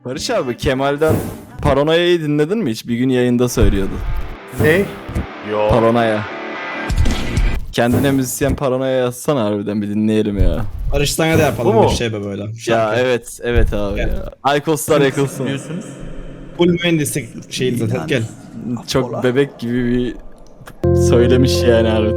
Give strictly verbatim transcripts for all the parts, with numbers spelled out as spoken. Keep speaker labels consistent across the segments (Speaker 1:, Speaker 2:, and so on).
Speaker 1: Barış abi, Kemal'den Paranoya'yı dinledin mi hiç? Bir gün yayında söylüyordu.
Speaker 2: Ne? Yo.
Speaker 1: Paranoya. Kendine müzisyen Paranoya yazsana, harbiden bir dinleyelim ya.
Speaker 3: Barış sana da yapalım
Speaker 2: Bu mu?
Speaker 3: bir şey be böyle.
Speaker 1: Ya
Speaker 3: Şarkı.
Speaker 1: evet, evet abi
Speaker 3: Gel.
Speaker 1: ya. Aykoslar yakılsın.
Speaker 2: Biliyorsunuz.
Speaker 3: Full mühendislik şeyi zaten gel.
Speaker 1: Çok bebek gibi bir söylemiş yani abi.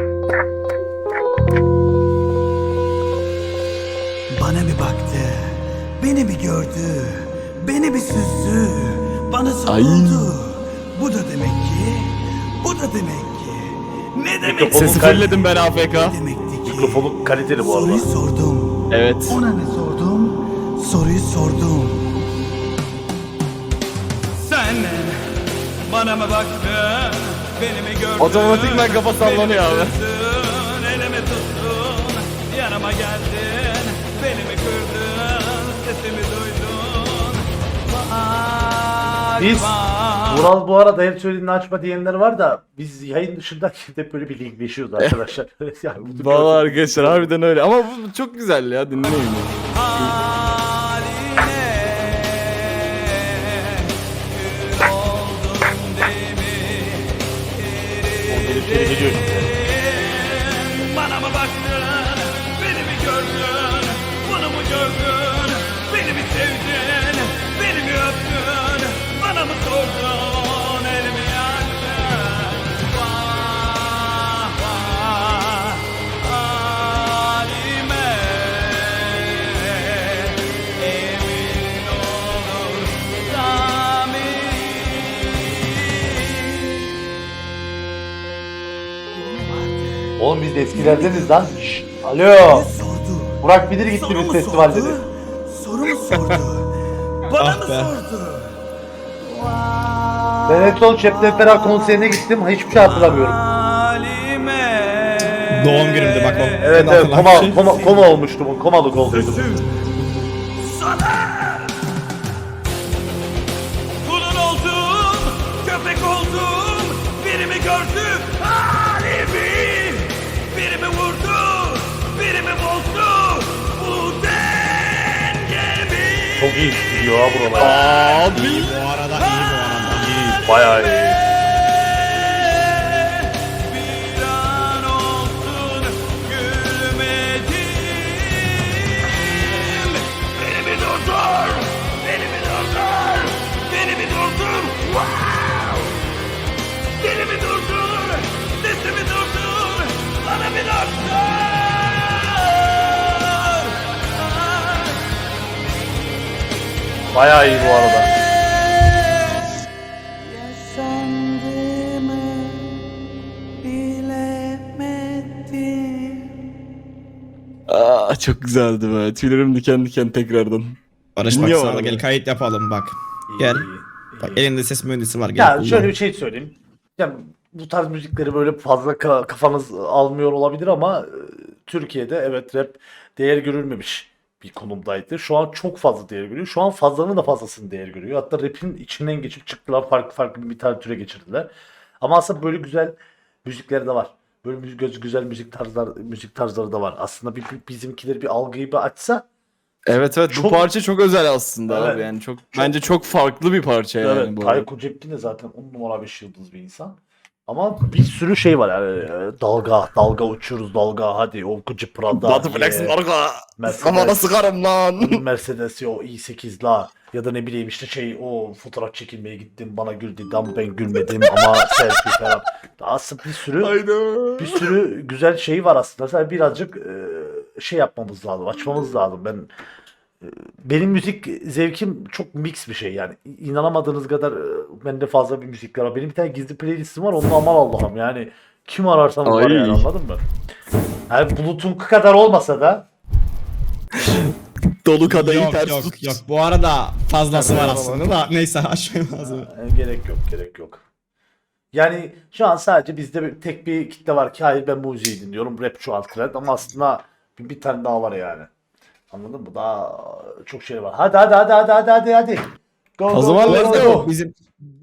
Speaker 4: Bana bir baktı, beni bir gördü, beni bir süzdü, bana
Speaker 1: Ay.
Speaker 4: soruldu. Bu da demek ki, bu da demek ki. Ne demek
Speaker 2: Mikrofonu
Speaker 1: Sesi
Speaker 2: kal-
Speaker 1: fullledim ben A F K.
Speaker 4: Ne demekti ki?
Speaker 2: Mikrofonu kaliteli bu arada.
Speaker 4: Soruyu sordum,
Speaker 1: Evet.
Speaker 4: ona ne sordum? Soruyu sordum.
Speaker 5: Sen bana mı baktın, beni mi gördün?
Speaker 1: Otomatikman kafa sallanıyor abi.
Speaker 5: Beni mi tuttun, elimi tuttun, yanıma geldin, beni mi kırdın, sesimi duydun. Var,
Speaker 2: Biz
Speaker 5: var.
Speaker 2: Vural bu arada her söylediğini açma diyenler var da biz yayın dışında hep böyle bir linkleşiyoruz arkadaşlar. Yani bunu
Speaker 1: Vallahi
Speaker 2: gördüm.
Speaker 1: arkadaşlar harbiden öyle. Ama bu çok güzel ya, dinleyin.
Speaker 5: Haline kül oldum değil mi?
Speaker 2: Geliyor, geliyor, geliyor şimdi.
Speaker 5: Bana mı baktın, beni mi gördün, bunu mu gördün, beni mi sevdin, beni mi öptün, bana mı sordun, elimi yaktın, vah vah halime, emin olur
Speaker 2: Oğlum biz de eskilerdeniz lan. Şşş, alo.
Speaker 4: Sordu.
Speaker 2: Burak Bilir gitti
Speaker 4: Soru
Speaker 2: bir
Speaker 4: mu
Speaker 2: festival
Speaker 4: sordu?
Speaker 2: dedi.
Speaker 4: Soru mu sordu? Bana
Speaker 3: Ah
Speaker 4: mı
Speaker 3: be.
Speaker 4: sordu?
Speaker 2: Ben en son Şebnem Ferah konserine gittim. Hiçbir şey hatırlamıyorum.
Speaker 5: halime.
Speaker 3: Doğum günümde bak o.
Speaker 2: Evet
Speaker 3: Ben
Speaker 2: evet
Speaker 3: hatırlam-
Speaker 2: koma, koma, koma olmuştum. Komalık olduydum.
Speaker 5: Kulun oldum, köpek oldum, birimi gördü, halimi, birimi vurdu, birimi bozdu, bu dengemi.
Speaker 2: Çok iyi gidiyor ha buralar.
Speaker 1: Abi.
Speaker 3: İyi bu arada, iyi bu arada. İyi.
Speaker 2: Bayağı iyi.
Speaker 5: Bir an olsun gülmedim. Beni mi durdur, beni mi durdur, beni mi durdur, wow. Beni mi durdur, sesimi durdur, bana bir durdur.
Speaker 2: Bayağı iyi bu arada.
Speaker 4: Yaşandığımı bilemedim.
Speaker 1: Aa, çok güzeldi be. Tüylerim diken diken tekrardan.
Speaker 3: Barış bak
Speaker 1: Dinliyor
Speaker 3: sana da
Speaker 1: arada.
Speaker 3: gel kayıt yapalım bak.
Speaker 2: İyi,
Speaker 3: Gel.
Speaker 2: iyi,
Speaker 3: Bak
Speaker 2: iyi.
Speaker 3: elinde ses mühendisi var gel.
Speaker 2: Ya
Speaker 3: kullan.
Speaker 2: şöyle bir şey söyleyeyim. Ya bu tarz müzikleri böyle fazla ka- kafanız almıyor olabilir ama e, Türkiye'de evet rap değer görülmemiş bir konumdaydı. Şu an çok fazla değer görüyor. Şu an fazlanın da fazlasını değer görüyor. Hatta rap'in içinden geçip çıktılar. Farklı farklı bir tane türe geçirdiler. Ama aslında böyle güzel müzikleri de var. Böyle müzik, göz- güzel müzik tarzlar müzik tarzları da var. Aslında bir, bir- bizimkileri bir algıyı bir açsa
Speaker 1: Evet evet, bu
Speaker 2: Çok-
Speaker 1: parça çok özel aslında
Speaker 2: Evet.
Speaker 1: abi, yani çok, bence çok farklı bir parça yani
Speaker 2: evet,
Speaker 1: bu arada.
Speaker 2: Tayyip Cepkin de zaten on numara beş yıldız bir insan. Ama bir sürü şey var yani e, dalga, dalga uçuyoruz dalga hadi o Gucci Prada,
Speaker 1: Batı Flex'in
Speaker 2: ye,
Speaker 1: arka.
Speaker 2: Mercedes.
Speaker 1: Kafana sıkarım lan.
Speaker 2: Mercedes o i sekiz la ya da ne bileyim işte şey o fotoğraf çekilmeye gittim bana gül dedi ama ben gülmedim ama selfie falan. Aslında bir sürü
Speaker 1: Hayda.
Speaker 2: bir sürü güzel şey var aslında. Sadece birazcık e, şey yapmamız lazım, açmamız lazım. Ben e, benim müzik zevkim çok mix bir şey yani. İnanamadığınız kadar e, bende fazla bir müzikler var. Benim bir tane gizli playlistim var. Onun aman Allah'ım yani kim ararsanız var
Speaker 1: Ay.
Speaker 2: yani, anladın mı? Yani Bulut'un kadar olmasa da
Speaker 1: Dolu kadayı
Speaker 3: Yok
Speaker 1: ters
Speaker 3: yok
Speaker 1: tut.
Speaker 3: yok bu arada fazlası var
Speaker 2: Tabii,
Speaker 3: aslında da neyse aşmayı lazım.
Speaker 2: e, gerek yok, gerek yok. Yani şu an sadece bizde bir, tek bir kitle var ki hayır ben bu müziği dinliyorum. Rap şu an trend ama aslında bir, bir tane daha var yani. Anladın mı? Daha çok şey var. Hadi hadi hadi hadi hadi hadi hadi. Go,
Speaker 1: O
Speaker 2: go,
Speaker 1: zaman
Speaker 2: go,
Speaker 1: let's
Speaker 2: go,
Speaker 1: go.
Speaker 2: go.
Speaker 3: Bizim